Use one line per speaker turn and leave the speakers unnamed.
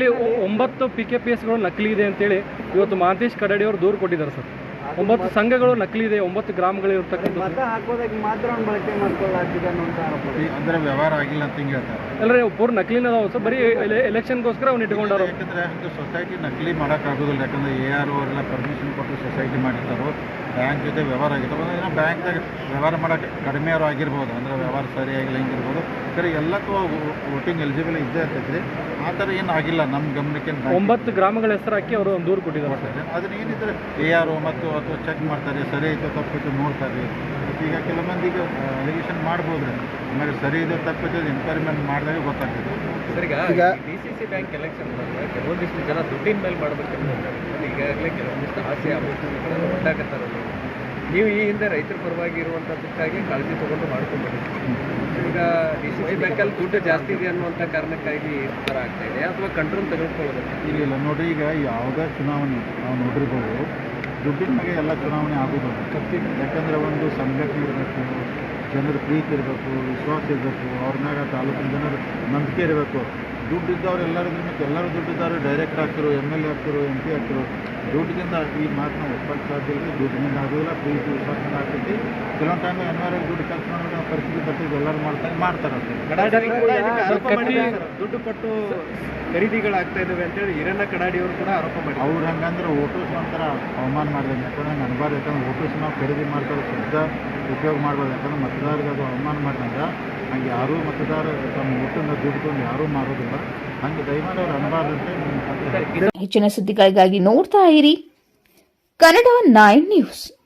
ಇಲ್ಲಿ 9 PKPSಗಳು ನಕಲಿ ಇದೆ ಅಂತೇಳಿ ಇವತ್ತು ಮಹಾಂತೇಶ್ ಕಡಡಿ ಅವರು ದೂರು ಕೊಟ್ಟಿದ್ದಾರೆ ಸರ್. 9 ಸಂಘಗಳು ನಕಲಿ ಇದೆ, 9 ಗ್ರಾಮಗಳು ಇರ್ತಕ್ಕಂಥ
ಮತ ಹಾಕೋದಕ್ಕೆ ಮಾತ್ರ ಅವ್ನು ಬಳಕೆ ಮಾಡ್ಕೊಳ್ಳಾಗ್ತಿದೆ ಅನ್ನೋಂಥ ಆರೋಪ.
ಅಂದರೆ ವ್ಯವಹಾರ ಆಗಿಲ್ಲ ಅಂತ ಹಿಂಗೆ ಹೇಳ್ತಾರೆ.
ಅಲ್ಲರಿ ಪೂರ್ ನಕಲಿನ ಅದಾವ ಸರ್, ಬರೀ ಎಲೆಕ್ಷನ್ಗೋಸ್ಕರ ಅವ್ನು ಇಟ್ಕೊಂಡಾರು.
ಯಾಕಂದರೆ ಸೊಸೈಟಿ ನಕಲಿ ಮಾಡೋಕ್ಕಾಗೋದಿಲ್ಲ. ಯಾಕಂದರೆ AR ಅವರೆಲ್ಲ ಪರ್ಮಿಷನ್ ಕೊಟ್ಟು ಸೊಸೈಟಿ ಮಾಡಿರ್ತಾರೋ, ಬ್ಯಾಂಕ್ ಜೊತೆ ವ್ಯವಹಾರ ಆಗಿರ್ತಾರೋ, ಏನೋ ಬ್ಯಾಂಕ್ದಾಗ ವ್ಯವಹಾರ ಮಾಡೋಕ್ಕೆ ಕಡಿಮೆ ಅವರು ಆಗಿರ್ಬೋದು, ಅಂದರೆ ವ್ಯವಹಾರ ಸರಿಯಾಗಿಲ್ಲ ಹಿಂಗಿರ್ಬೋದು. ಸರಿ ಎಲ್ಲಕ್ಕೂ ವೋಟಿಂಗ್ ಎಲಿಜಿಬಲ್ ಇದ್ದೇ ಇರ್ತೈತ್ರಿ. ಆ ಥರ ಏನು ಆಗಿಲ್ಲ ನಮ್ಮ ಗಮನಕ್ಕೆ.
9 ಗ್ರಾಮಗಳ ಹೆಸರು ಹಾಕಿ ಅವರು ಒಂದು ದೂರು ಕೊಟ್ಟಿದ್ದಾರೆ ಸರ್.
ಅದನ್ನ ಏನಿದ್ರೆ AR ಮತ್ತು ಅಥವಾ ಚೆಕ್ ಮಾಡ್ತಾರೆ, ಸರಿ ಐತೆ ತಪ್ಪಿತ್ತು ನೋಡ್ತಾರೆ. ಈಗ ಕೆಲವೊಂದಿಗೆ ಅಲಿಗೇಷನ್ ಮಾಡ್ಬೋದು ರೀ, ಆಮೇಲೆ ಸರಿ ಇದೆ ತಪ್ಪಿದ್ದು ಎನ್ಕ್ವೈರಿಮೆಂಟ್ ಮಾಡಿದಾಗ ಗೊತ್ತಾಗ್ತದೆ.
ಸರ್, ಈಗ DCC ಬ್ಯಾಂಕ್ ಎಲೆಕ್ಷನ್ ಬಂದರೆ ಕೆಲವೊಂದಿಷ್ಟು ಜನ ದುಡ್ಡಿನ ಮೇಲೆ ಮಾಡಬೇಕಂತ ಈಗಾಗಲೇ ಕೆಲವೊಂದಿಷ್ಟು ಆಸೆ ಆಲೋಚನೆಗಳನ್ನು ಉಂಟಾಗತ್ತಾರೆ. ನೀವು ಈ ಹಿಂದೆ ರೈತರ ಪರವಾಗಿ ಇರುವಂಥದ್ದಕ್ಕಾಗಿ ಕಾಳಜಿ ತೊಗೊಂಡು ಮಾಡ್ಕೊಂಡ್ಬಂದಿದ್ದೀವಿ. ಈಗ DCC ಬ್ಯಾಂಕಲ್ಲಿ ದುಡ್ಡು ಜಾಸ್ತಿ ಇದೆ ಅನ್ನುವಂಥ ಕಾರಣಕ್ಕಾಗಿ ಈ ಥರ ಆಗ್ತಾ ಇದೆ ಅಥವಾ ಕಂಟ್ರೋಲ್ ತೆಗೆದುಕೊಳ್ಳೋದು?
ಇಲ್ಲ ನೋಡಿರಿ, ಈಗ ಯಾವುದೇ ಚುನಾವಣೆ ನಾವು ನೋಡಿರ್ಬೋದು, ದುಡ್ಡಿನ ಬಗ್ಗೆ ಎಲ್ಲ ಚುನಾವಣೆ ಆಗೋದಿಲ್ಲ. ಯಾಕಂದರೆ ಒಂದು ಸಂಘಟನೆ ಇರಬೇಕು, ಜನರ ಪ್ರೀತಿ ಇರಬೇಕು, ವಿಶ್ವಾಸ ಇರಬೇಕು, ಅವ್ರ ಮ್ಯಾಗ ತಾಲೂಕಿನ ಜನರು ನಂಬಿಕೆ ಇರಬೇಕು. ದುಡ್ಡಿದ್ದವ್ರು ಎಲ್ಲರೂ ಮತ್ತು ಎಲ್ಲರೂ ದುಡ್ಡಿದ್ದವರು ಡೈರೆಕ್ಟ್ ಆಗ್ತಿರು, MLA ಆಗ್ತಿರು, MP ಆಗ್ತಿರು. ದುಡ್ಡಿನಿಂದ ಈ ಮಾತನ್ನ ಒಪ್ಪಕ್ಕೆ ಸಾಧ್ಯ ಇಲ್ಲ. ದುಡ್ಡಿನಿಂದ ಆಗೋದಿಲ್ಲ, ಪ್ರೀತಿ ವಿಶ್ವಾಸದಿಂದ ಆಗ್ತೈತಿ. ಕೆಲವೊಂದು ಟೈಮ್ ಎನ್ವೈರಲ್ ದುಡ್ಡು ಖರ್ಚು ಮಾಡೋ ಪರಿಸ್ಥಿತಿ ಬರ್ತೈತಿ, ಎಲ್ಲರೂ ಮಾಡ್ತಾರೆ
ದುಡ್ಡು ಕೊಟ್ಟು ಖರೀದಿಗಳಾಗ್ತಾ ಇದ್ದಾವೆ ಅಂತೇಳಿ ಹಿರಣ್ಣ ಕಡಾಡಿಯವರು ಕೂಡ ಆರೋಪ ಮಾಡಿ
ಅವ್ರು ಹಂಗಂದ್ರೆ ವೋಟರ್ಸ್ ಒಂಥರ ಅವಮಾನ ಮಾಡಿದ್ರೆ. ಯಾಕಂದ್ರೆ ಹಂಗೆ ಅನ್ಬಾರ್ದು. ಯಾಕಂದ್ರೆ ವೋಟರ್ಸ್ ನಾವು ಖರೀದಿ ಮಾಡ್ತಾರೆ, ಶುದ್ಧ ಉಪಯೋಗ ಮಾಡ್ಬೋದು. ಯಾಕಂದ್ರೆ ಮತದಾರರಿಗೆ ಅದು ಅವಮಾನ ಮಾಡಿದಂದ್ರೆ ಹಂಗೆ ಯಾರೂ ಮತದಾರ ತಮ್ಮ ವೋಟನ್ನು ದುಡ್ಡು ಯಾರೂ ಮಾಡೋದಿಲ್ಲ. ಹಂಗೆ ದಯಮಾಡಿ ಅವ್ರು ಅನ್ಬಾರ್ದಂತೆ.
ಹೆಚ್ಚಿನ ಸುದ್ದಿಗಳಿಗಾಗಿ ನೋಡ್ತಾ ಇರಿ ಕನ್ನಡ 9 ನ್ಯೂಸ್.